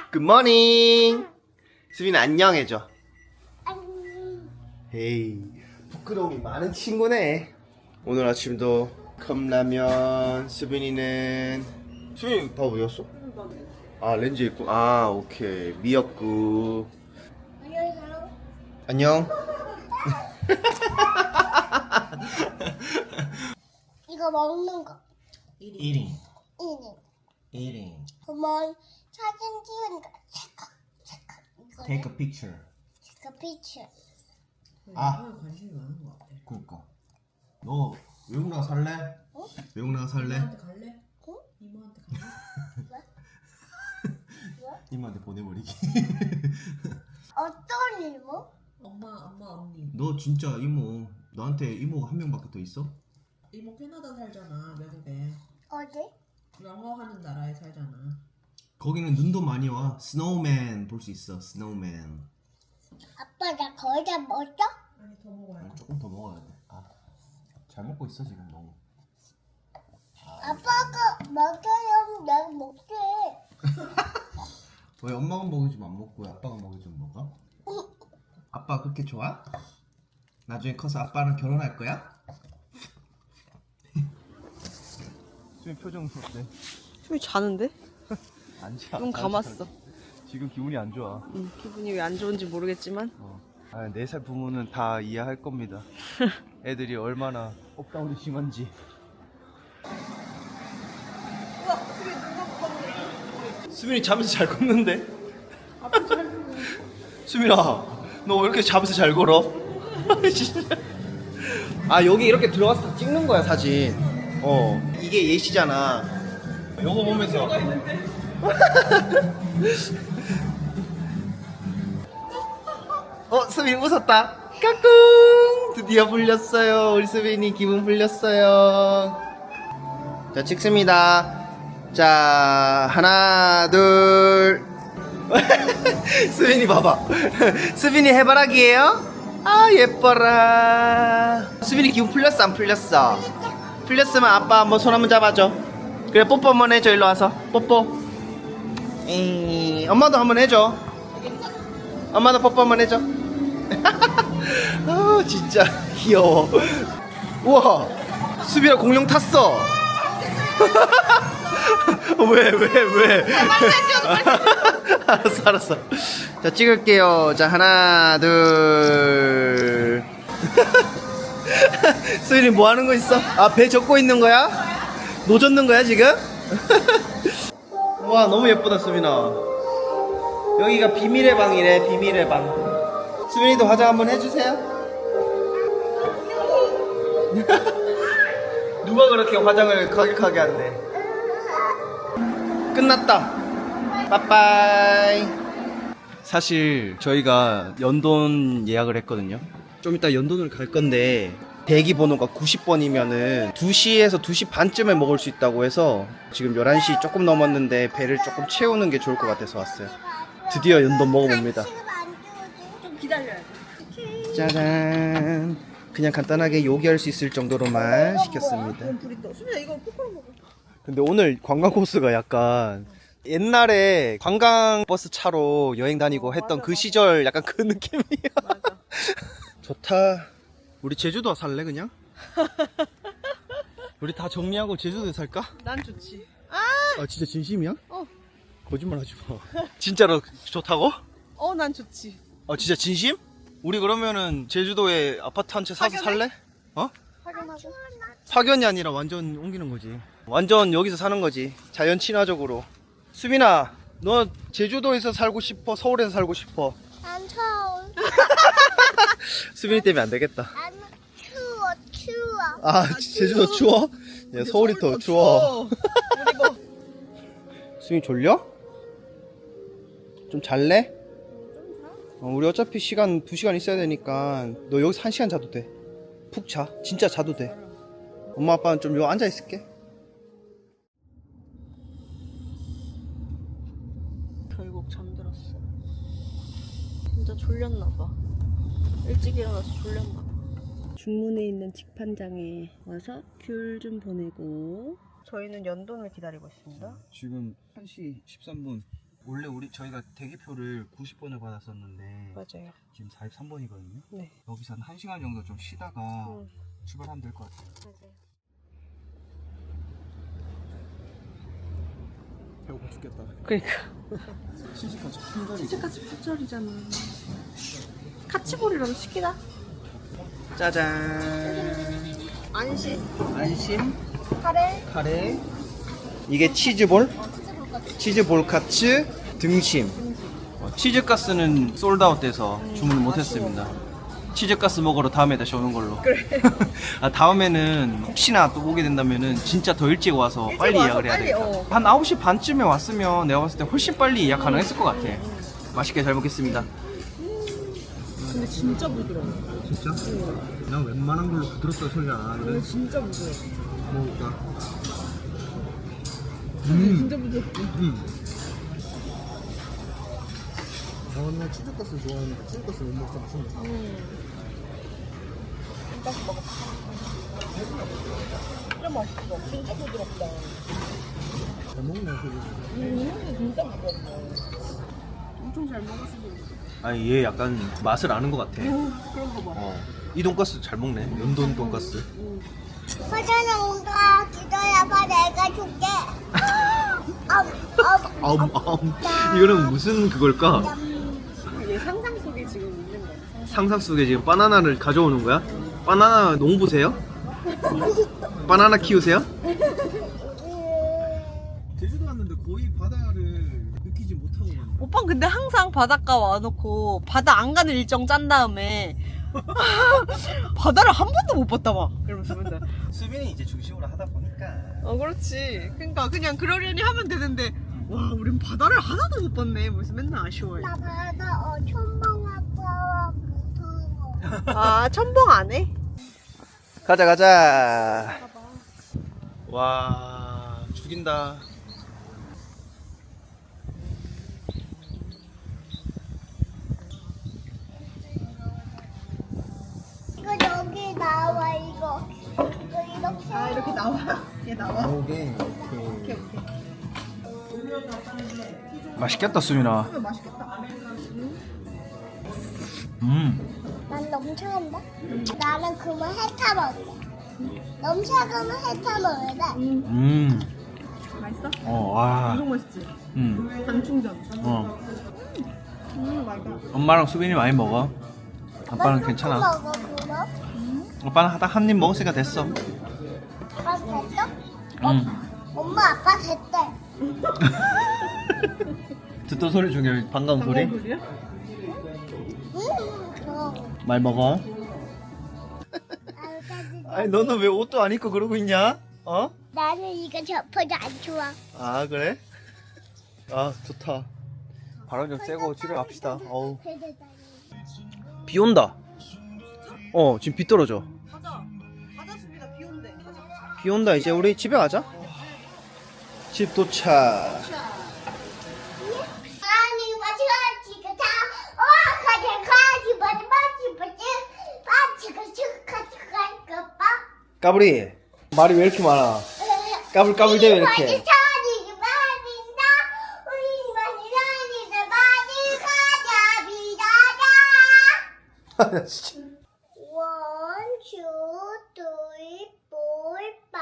굿모닝. 수빈 안녕 해줘. 안녕. 에이, 부끄러움이 많은 친구네. 오늘 아침도 컵라면. 수빈이는 밥 어디였어? 아, 렌즈 있고. 아, 오케이. 미역국. 안녕하세요. 안녕. 이거 먹는 거. Eating. 이니. 그러면 사진 찍은 거. 체크. 이거 Take a picture. 체크 피처. 아, 관심이 많은 것 같아. 그니까. 너 외국 나가 살래? 어? 외국 나가 살래? 이모한테 갈래? 응? 이모한테 갈래? 이모한테 보내버리기. 어떤 이모? 엄마, 언니. 너 진짜 이모, 너한테 이모가 한 명밖에 더 있어? 이모 캐나다 살잖아, 외국에. 어디? 영어 하는 나라에 살잖아. 거기는 눈도 많이 와. 스노우맨 볼 수 있어. 스노우맨. 아빠 나 거의 다 먹었어? 아니, 더 먹어야 돼. 조금 더 먹어야 돼. 아, 잘 먹고 있어 지금 너무. 아빠가 먹으면 내가 먹게. 왜 엄마가 먹여주면 안 먹고 왜 아빠가 먹여주면 먹어? 아빠 그렇게 좋아? 나중에 커서 아빠랑 결혼할 거야? 수빈 표정 어때? 숨이 자는데? 안 자. 눈 감았어. 지금 기분이 안 좋아. 기분이 왜 안 좋은지 모르겠지만. 아, 4살 부모는 다 이해할 겁니다. 애들이 얼마나 업다운이 심한지. 수빈이 잠에서 잘 걷는데? 수빈아, 너 왜 이렇게 잠에서 잘 걸어? 진짜. 아, 여기 이렇게 들어가서 찍는 거야, 사진. 이게 예시잖아. 요거 보면서. 수빈이 웃었다. 까꿍! 드디어 풀렸어요. 우리 수빈이 기분 풀렸어요. 자, 찍습니다. 자, 하나, 둘. 수빈이 봐봐. 수빈이 해바라기예요? 아, 예뻐라. 수빈이 기분 풀렸어, 안 풀렸어? 풀렸으면 아빠 한번 손 한번 잡아줘. 그래, 뽀뽀 한번 해줘. 일로 와서 뽀뽀. 에이, 엄마도 한번 해줘. 엄마도 뽀뽀 한번 해줘. 아, 진짜 귀여워. 우와, 수빈아 공룡 탔어. 왜? 알았어. 자, 찍을게요. 자, 하나, 둘. 수빈이 뭐 하는 거 있어? 아, 배 젓고 있는 거야? 노 젓는 거야, 지금? 와, 너무 예쁘다, 수빈아. 여기가 비밀의 방이래, 비밀의 방. 수빈이도 화장 한번 해주세요. 누가 그렇게 화장을 거격하게 한대. 끝났다. 빠빠이. 사실 저희가 연돈 예약을 했거든요. 좀 이따 연돈을 갈 건데 대기 번호가 90번이면은 2시에서 2시 반쯤에 먹을 수 있다고 해서 지금 11시 조금 넘었는데 배를 조금 채우는 게 좋을 것 같아서 왔어요. 드디어 연돈 먹어봅니다. 좀 기다려야 돼. 짜잔. 그냥 간단하게 요기할 수 있을 정도로만 시켰습니다. 수빈아 이거 포크로 먹어. 근데 오늘 관광 코스가 약간 옛날에 관광버스 차로 여행 다니고 했던 그 시절 약간 그 느낌이야. 맞아. 좋다. 우리 제주도 살래 그냥? 우리 다 정리하고 제주도에 살까? 난 좋지. 아, 진짜 진심이야? 어. 거짓말 하지 마. 진짜로 좋다고? 난 좋지. 진짜 진심? 우리 그러면은 제주도에 아파트 한 채 사서 살래? 확인하고. 파견이 아니라 완전 옮기는 거지. 완전 여기서 사는 거지. 자연 친화적으로. 수빈아, 너 제주도에서 살고 싶어? 서울에서 살고 싶어? 난 서울. 수빈이 때문에 안 되겠다. 나는 추워. 아, 제주도 추워? 야, 서울이 더 추워. 수빈이 졸려? 좀 잘래? 우리 어차피 시간 2시간 있어야 되니까 너 여기서 1시간 자도 돼. 푹 자. 진짜 자도 돼. 엄마 아빠는 좀 여기 앉아 있을게. 결국 잠들었어. 진짜 졸렸나봐. 일찍 일어나서 졸렸나봐. 중문에 있는 직판장에 와서 귤 좀 보내고 저희는 연돈을 기다리고 있습니다. 지금 1시 13분. 원래 저희가 대기표를 90번을 받았었는데 맞아요. 지금 43번이거든요. 네. 여기서 한 1시간 정도 좀 쉬다가 출발하면 될 것 같아요. 맞아요. 배고파 죽겠다. 그러니까. 치즈까지 품절이고. 치즈까지 품절이잖아. 카치볼이라도 시키다. 짜잔. 안심. 안심 카레. 카레. 이게 치즈볼? 치즈볼 카츠 등심. 치즈가스는 솔드아웃 돼서 주문을 못했습니다. 치즈가스 먹으러 다음에 다시 오는 걸로. 그래. 아, 다음에는 혹시나 또 오게 된다면은 진짜 더 일찍 와서 빨리 와서 예약을 해야 빨리, 되겠다. 한 9시 반쯤에 왔으면 내가 봤을 때 훨씬 빨리 예약 가능했을 것 같아. 맛있게 잘 먹겠습니다. 근데 진짜 부드러워. 진짜? 난 웬만한 걸로 부드럽다 소리 안 하는데. 진짜 부드러워. 먹을까? 진짜 부드러워. 나 치즈가스 좋아하는데 치즈가스 못 먹어서 맛있네. 다시 먹어. 진짜 맛있어. 진짜 부드럽다. 잘 먹네 소리. 진짜 부드럽다. 엄청 잘 먹었어. 아니 얘 약간 맛을 아는 것 같아. 그런 거 봐. 이 돈가스 잘 먹네. 연돈 돈가스. 화전에 온다. 기다려봐. 내가 줄게. 이거는 무슨 그걸까? 얘 상상 속에 지금 있는 거야. 상상 속에 지금 바나나를 가져오는 거야? 바나나 농부세요? 바나나 키우세요? 제주도 왔는데 거의 바다를 느끼지 못하고 갔네. 오빠는 근데 항상 바닷가 와놓고 바다 안 가는 일정 짠 다음에 바다를 한 번도 못 봤다 봐. 그러면서 맨날. 수빈이 이제 중심으로 하다 보니까. 그렇지. 그러니까 그냥 그러려니 하면 되는데 와 우린 바다를 하나도 못 봤네. 그래서 맨날 아쉬워해. 나 바다 첨벙아빠 무서워. 아 첨벙 안 해? 가자. 와 죽인다. 이거 여기 나와 이거. 이거 이렇게. 아 이렇게 나와. 얘 나와. 오케이. 오케이 오케이. 맛있겠다 수빈아. 맛있겠다. 난 넘쳐간다. 나는 그만 핥아 먹을래. 넘쳐가면 핥아 먹을래. 맛있어? 와. 엄청 맛있지? 당 충전. 맛있다. 엄마랑 수빈이 많이 먹어. 아빠는 괜찮아. 먹어 그럼. 오빠는 딱 한 입 먹었으니까 됐어. 아빠 됐어? 응. 엄마 아빠 됐대. 듣던 소리 중에 반가운 소리? 그럼. 많이 먹어. 아니 너는 왜 옷도 안 입고 그러고 있냐? 어? 나는 이거 접어도 안 좋아. 아 그래? 아 좋다. 바람 좀 쐬고 집에 갑시다. 어우. 비 온다. 지금 비 떨어져. 가자. 가자 수빈아 비 온대. 가자. 비 온다. 이제 우리 집에 가자. 집 도착. 아니 마치 가자. 가자. 까불이 말이 왜 이렇게 많아? 까불까불 대왜 이렇게? 진짜. 1, 2, 3, 4,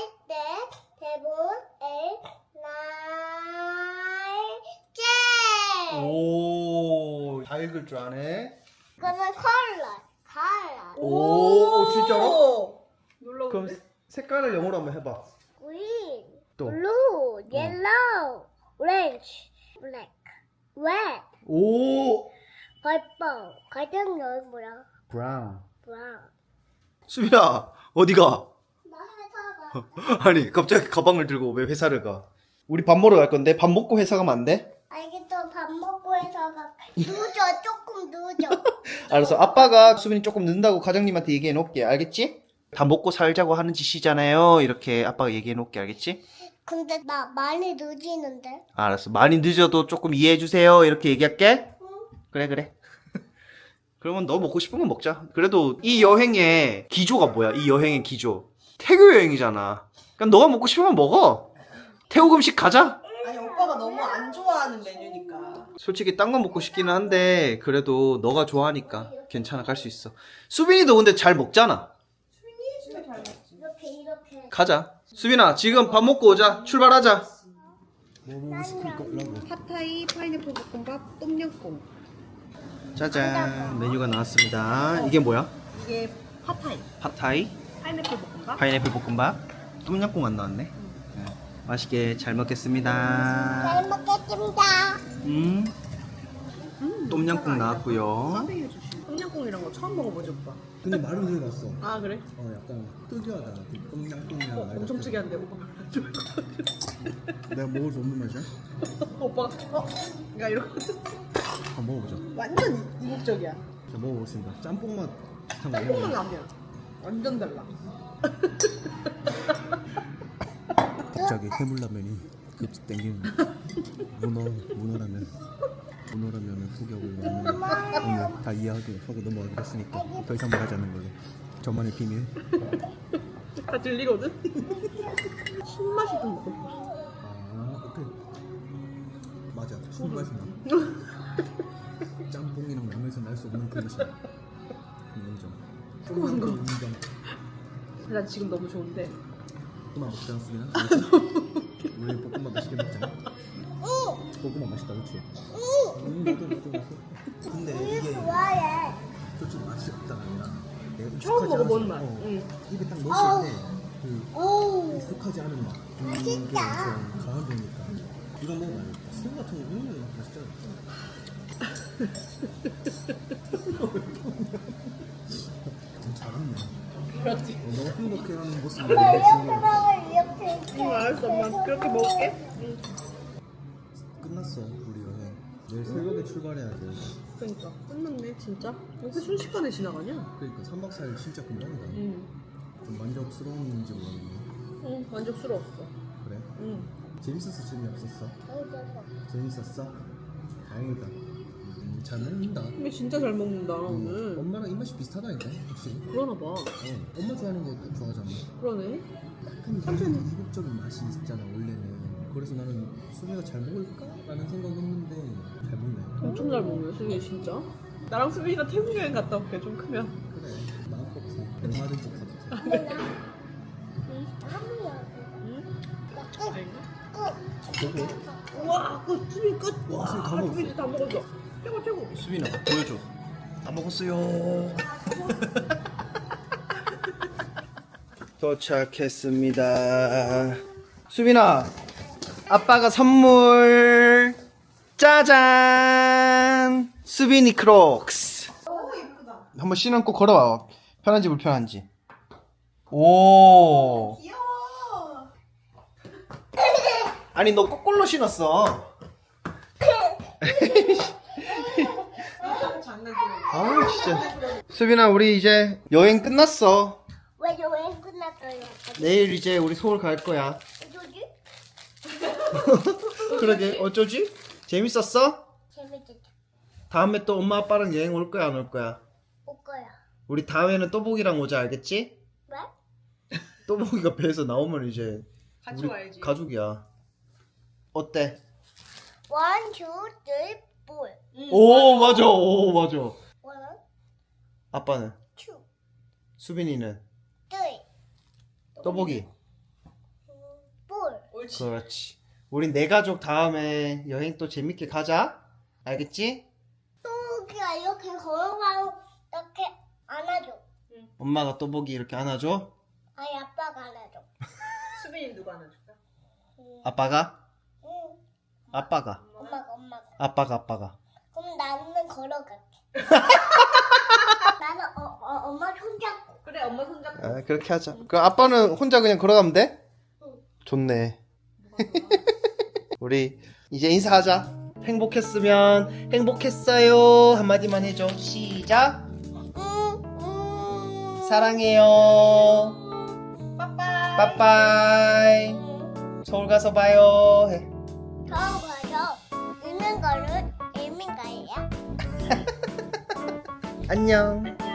5, 6, 7, 8, 오, 다 읽을 줄 아네. 그러면 컬러. 오, 진짜로? 놀러 그럼 색깔을 영어로 한번 해봐. Green, 또. blue, yellow, orange, black, red, 오, purple. 가장 여기 뭐야? 브라운. brown. 수빈아, 어디가? 나 회사 가. 아니, 갑자기 가방을 들고 왜 회사를 가? 우리 밥 먹으러 갈 건데 밥 먹고 회사 가면 안 돼? 알겠어. 밥 먹고 회사 가. 늦어. 조금 늦어. 알았어. 아빠가 수빈이 조금 늦는다고 과장님한테 얘기해 놓을게. 알겠지? 다 먹고 살자고 하는 짓이잖아요. 이렇게 아빠가 얘기해 놓을게. 알겠지? 근데 나 많이 늦이는데. 알았어. 많이 늦어도 조금 이해해 주세요. 이렇게 얘기할게. 그래. 그러면 너 먹고 싶은 거 먹자. 그래도 이 여행의 기조가 뭐야? 이 여행의 기조. 태교 여행이잖아. 그러니까 너가 먹고 싶으면 먹어. 태국 음식 가자. 아니 오빠가 너무 안 안 좋아하는 메뉴니까. 솔직히 딴 거 먹고 싶기는 한데 그래도 너가 좋아하니까 괜찮아, 갈 수 있어. 수빈이도 근데 잘 먹잖아. 진짜 잘 먹지. 이렇게 가자. 수빈아, 지금 밥 먹고 오자. 출발하자. 나는 팟타이, 파인애플 볶음밥, 똠양꿍. 짜잔, 메뉴가 나왔습니다. 이게 뭐야? 이게 팟타이, 팟타이, 파인애플 볶음밥. 파인애플 볶음밥, 똠양꿍 안 나왔네. 네. 맛있게 잘 먹겠습니다. 잘 먹겠습니다. 똠양꿍 나왔고요. 서빙해 주시. 똠양꿍이란 거 처음 먹어보지 오빠. 근데 말은 들어봤어. 아 그래? 약간 특이하다. 똥냥똥냥. 엄청 특이한데 오빠. 내가 먹을 수 없는 맛이야? 오빠가 그러니까 이러고 한번 먹어보자. 완전 이국적이야. 자, 먹어보겠습니다. 짬뽕 맛 비슷한 거 짬뽕 아니야? 라면 완전 달라. 갑자기 해물라면이 급식 땡기는 문어라면 포기하고 있는데 오늘 다 이해하고 넘어가기로 했으니까 더 이상 말하지 않는 걸로. 저만의 비밀. 다 들리거든. 신맛이 좀 먹고 싶어. 아, 오케이. 맞아. 신맛이 나. 짬뽕이랑 라면에서 날 수 없는 그 맛이야. 인정. 조그만 거. 인정. 난 지금 너무 좋은데. 볶음밥 먹자, 수빈아. 우리 볶음밥 맛있게 먹자. 볶음밥 맛있다, 그렇지? 나도 맛있어. 근데 이게 좋아해. 솔직히 맛이 없다가 아니라 내가 처음 익숙하지 먹어본 않아서, 맛. 응. 입에 딱 넣었을 때 그 오. 익숙하지 않은 맛. 그게 엄청 강한 거니까. 이거 먹으면 안 돼. 새우 같은 거 맛있잖아. 잘했네. 그렇지. 너무 행복해하는 모습을 이렇게 내가 지금 먹어 이렇게. 알았어 엄마 그렇게 먹을게. 끝났어 우리 여행. 내일 새벽에 출발해야 돼. 그러니까 끝났네 진짜. 왜 이렇게 순식간에 지나가냐? 그러니까 3박 4일 진짜 금방이다. 응. 좀 만족스러운지 모르겠네. 응 만족스러웠어. 그래? 응. 재밌었어? 재미없었어? 재밌었어? 다행이다. 잘 먹는다. 근데 진짜 잘 먹는다 오늘. 엄마랑 입맛이 비슷하다니까 확실히. 그러나 봐. 엄마 좋아하는 거 좋아하잖아. 그러네. 약간 이국적인 맛이 있잖아 원래는. 그래서 나는 수미가 잘 먹을까? 라는 생각했는데 잘 먹네. 엄청 잘 먹네 수빈이 진짜. 나랑 수빈이가 태국 여행 갔다 올게 좀 크면. 그래 마음 먹고 얼마든지 가도 돼. 보고 우와 끝 수빈 끝. 와, 수빈 다 먹었어. 수빈이 다 먹었어. 최고 최고. 수빈아, 보여줘. 다 먹었어요. 도착했습니다. 수빈아, 아빠가 선물. 짜잔! 수빈이 크록스. 너무 예쁘다. 한번 신고 걸어봐. 편한지 불편한지. 오. 귀여워. 아니 너 거꾸로 신었어. 장난꾸러기. 아 진짜. 수빈아, 우리 이제 여행 끝났어. 왜 여행 끝났어요? 내일 이제 우리 서울 갈 거야. 어쩌지? 그러게, 어쩌지? 재밌었어? 재밌겠다. 다음에 또 엄마 아빠랑 여행 올 거야, 안 올 거야? 올 거야. 우리 다음에는 또보기랑 오자, 알겠지? 왜? 또보기가 배에서 나오면 이제 같이 우리 와야지. 가족이야. 어때? 원, 투, 쓰리, 포. 오 맞아, 오 맞아. 원, 아빠는? 투, 수빈이는? 쓰리, 또보기. 포. 옳지. 그렇지. 우리 네 가족 다음에 여행 또 재밌게 가자. 알겠지? 또기가 이렇게 걸어가고 이렇게 안아줘. 엄마가 또보기 이렇게 안아줘. 아니 아빠가 안아줘. 수빈이 누가 안아줄까? 아빠가? 응. 아빠가. 엄마가. 아빠가. 그럼 나는 걸어갈게. 나는 엄마 손잡고. 그래 엄마 손잡고. 아, 그렇게 하자. 그럼 아빠는 혼자 그냥 걸어가면 돼? 응. 좋네. 우리 이제 인사하자. 행복했으면 행복했어요 한마디만 해줘. 시작. 사랑해요. 빠빠이. 빠빠이. 서울 가서 봐요. 해. 처음 가서 있는 거는 의미가예요. 안녕.